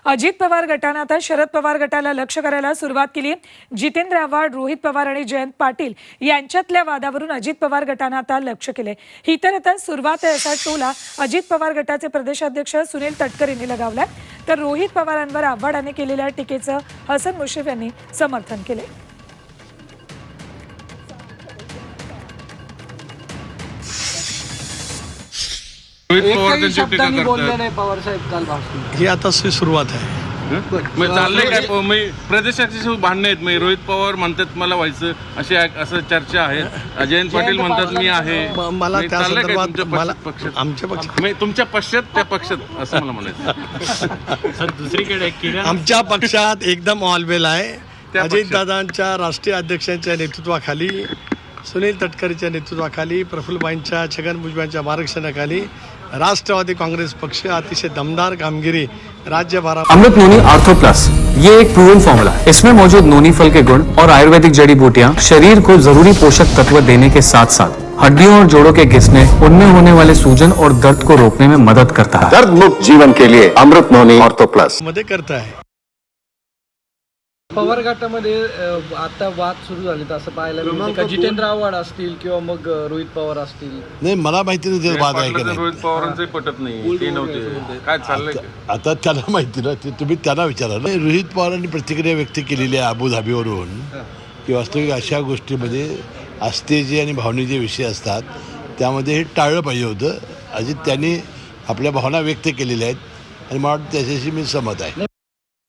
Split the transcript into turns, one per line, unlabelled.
अजित पवार गटानं आता शरद पवार गटाला लक्ष करायला सुरुवात केली. जितेंद्र आव्हाड, रोहित पवार आणि जयंत पाटील यांच्यातल्या वादावरून अजित पवार गटानं आता लक्ष केले. ही तर आता सुरुवात आहे असा टोला अजित पवार गटाचे प्रदेशाध्यक्ष सुनील तटकर यांनी लगावलाय. तर रोहित पवारांवर आव्हाडाने केलेल्या टीकेचं हसन मुश्रीफ यांनी समर्थन केले.
एकही शब्दांनी बोलले नाही पवार साहेब काल भाषण.
ही आता सुरुवात आहे.
चाललंय काय प्रदेशाची भांडणं आहेत. रोहित पवार म्हणतात मला व्हायचं अशी असं चर्चा आहे. जयंत पाटील म्हणतात मी आहे.
मला त्या संदर्भात
आमच्या पक्षात तुमच्या पक्षात त्या पक्षात असं मला म्हणायचं.
सर दुसरीकडे
आमच्या पक्षात एकदम ऑलवेल आहे. अजितदादांच्या राष्ट्रीय अध्यक्षांच्या नेतृत्वाखाली, सुनील तटकरेच्या नेतृत्वाखाली, प्रफुल्लबाईंच्या, छगन भुजबळांच्या मार्गदर्शनाखाली राष्ट्रवादी कांग्रेस पक्ष अतिशय दमदार कामगिरी राज्यभरात.
अमृत नोनी आर्थो प्लस ये एक प्रूवन फॉर्मूला है. इसमें मौजूद नोनी फल के गुण और आयुर्वेदिक जड़ी बूटियां शरीर को जरूरी पोषक तत्व देने के साथ साथ हड्डियों और जोड़ों के घिसने, उनमें होने वाले सूजन और दर्द को रोकने में मदद करता है.
दर्द मुक्त जीवन के लिए अमृत नोनी आर्थो प्लस
मध्ये करता आहे.
पवार गटामध्ये आता वाद सुरू झाले असं पाहायला मिळते का? जितेंद्र आव्हाड असतील किंवा मग रोहित पवार असतील.
नाही, मला माहिती नाही वाद आहे की नाही.
रोहित पवारांचे पटत नाही, ते नव्हते. काय चाललंय
आता त्याला माहिती ना, ते तुम्ही त्यांना विचारा ना. रोहित पवारांनी प्रतिक्रिया व्यक्त केलेली आहे अबुधाबीवरून की वास्तविक अशा गोष्टीमध्ये आस्थेचे आणि भावनेचे विषय असतात, त्यामध्ये हे टाळलं पाहिजे होतं. अजित त्यांनी आपल्या भावना व्यक्त केलेल्या आहेत आणि मला वाटतं त्याच्याशी मी सहमत आहे.